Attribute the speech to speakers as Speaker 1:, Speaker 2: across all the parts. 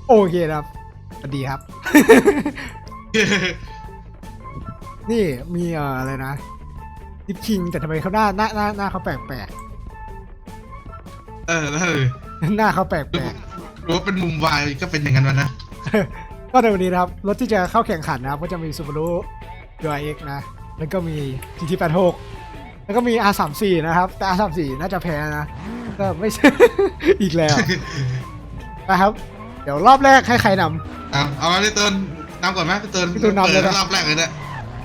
Speaker 1: โอเคครับสวัสดีครับ นี่มีอะไรนะดิฟคิงแต่ทำไมเขาหน้าเขาแปลก
Speaker 2: นั่นเลย
Speaker 1: ๆ หน้าเขาแปลก
Speaker 2: หรือว่าเป็นมุมวายก็เป็นอย่างนั้นวะนะ
Speaker 1: ๆ ก็ในวันนี้นะครับรถที่จะเข้าแข่งขันนะครับก็จะมี Subaru WRX นะแล้วก็มี GT86 แล้วก็มี R34 นะครับแต่ R34 น่าจะแพ้นะก็ไม่ใช่ อีกแล้วนะครับเดี๋ยวรอบแรกให้ใครนำ
Speaker 2: เอามาพี่ตูนนำก่อนไหมพี่ตูน
Speaker 1: พี่ตูนนำเลยนะ
Speaker 2: รอบแรกเลยเนี่ย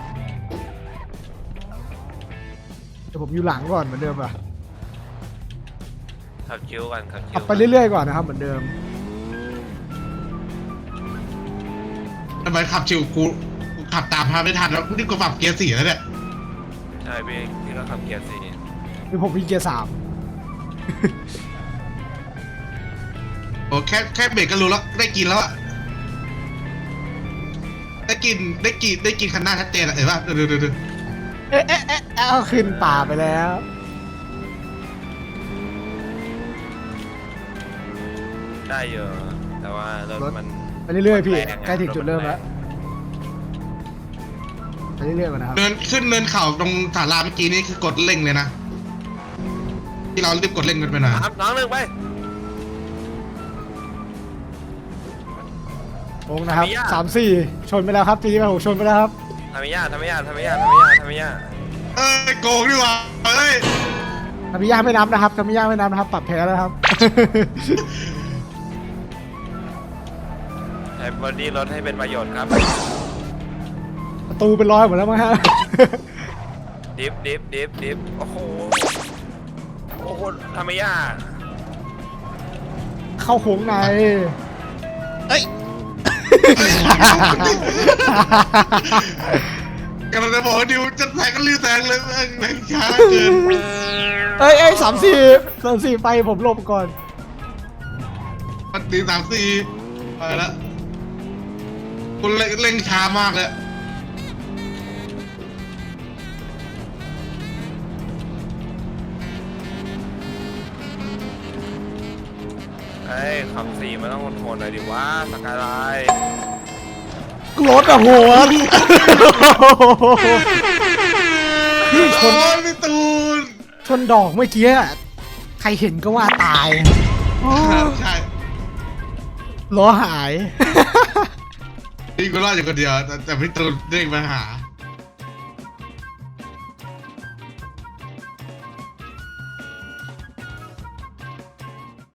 Speaker 1: เดี๋ยวผมอยู่หลังก่อนเหมือนเดิมอ่ะ
Speaker 3: ขับคิวกันขับคิว
Speaker 1: ขับไปเรื่อยๆก่อนนะครับเหมือนเดิม
Speaker 2: ทำไมขับชิวกูขับตามพาไม่ทันแล้วกูนี่กูปรับเกียร์4แล้วเนี่ย
Speaker 3: ใช่พี่ก็ขับเกียร์สี่
Speaker 1: คือผมมีเกียร์ 3
Speaker 2: โอ้แค่เบรกก็รู้แล้วได้กินแล้วอะได้กินคันหน้าชัดเจนอะเห็นป่ะดู
Speaker 1: เอ๊ะเอาขึ้นป่าไปแล้ว
Speaker 3: ได้เยอะแต่ว่ารถมัน
Speaker 1: ไปเรื่อยๆพี่
Speaker 3: แรงอะ
Speaker 1: ใกล้ถึงจุดเริ่มแล้วไปเรื่อยๆก่อนนะครับ
Speaker 2: เนินขึ้นเนินเข่าตรงศาลาเมื่อกี้นี่คือกดเร่งเลยนะที่เรารีบกดเร่งกันไปหน่อย
Speaker 3: น้องหนึ่งไป
Speaker 1: โค้งนะครับ
Speaker 3: ทำไมอะ
Speaker 1: 3-4 ชนไปแล้วครับGT86ชนไปแล้วครับ
Speaker 3: ทำไมยาก
Speaker 2: โกงดีกว่าเฮ้ย
Speaker 1: ทามิยาไม่นับนะครับทามิยาไม่นับนะครับปรับแพ้แล้วครับ
Speaker 3: ใช้บอดี้รถให้เป็นประโยชน์ครับ
Speaker 1: ประตูเป็นร้อยหมดแล้วมั้งฮะ
Speaker 3: ดิฟโอ้โหทำไมยาก
Speaker 1: เข้าโค้งใน
Speaker 2: กำลังจะบอกว่าดิวจะแซงก็รีบแซงเลยแม่งช้าเกิน
Speaker 1: เอ้ย3-4ไปผมหลบก่อน
Speaker 2: มันตี3-4ไปแล้วคุณเร่งช้ามากเลย
Speaker 3: ขับสี่มันต้องทนหน่อยดิว่าสกายไลน์
Speaker 1: รถอะหัวพี่ช
Speaker 2: โอ้
Speaker 1: น
Speaker 2: ยพี่ตูน
Speaker 1: ชนดอกเมื่อกี้อะใครเห็นก็ว่าตาย
Speaker 2: ใช่
Speaker 1: ล้อหาย
Speaker 2: พี่ก็รอดอยู่คนเดียวแต่พี่ตูนเร่งมาหา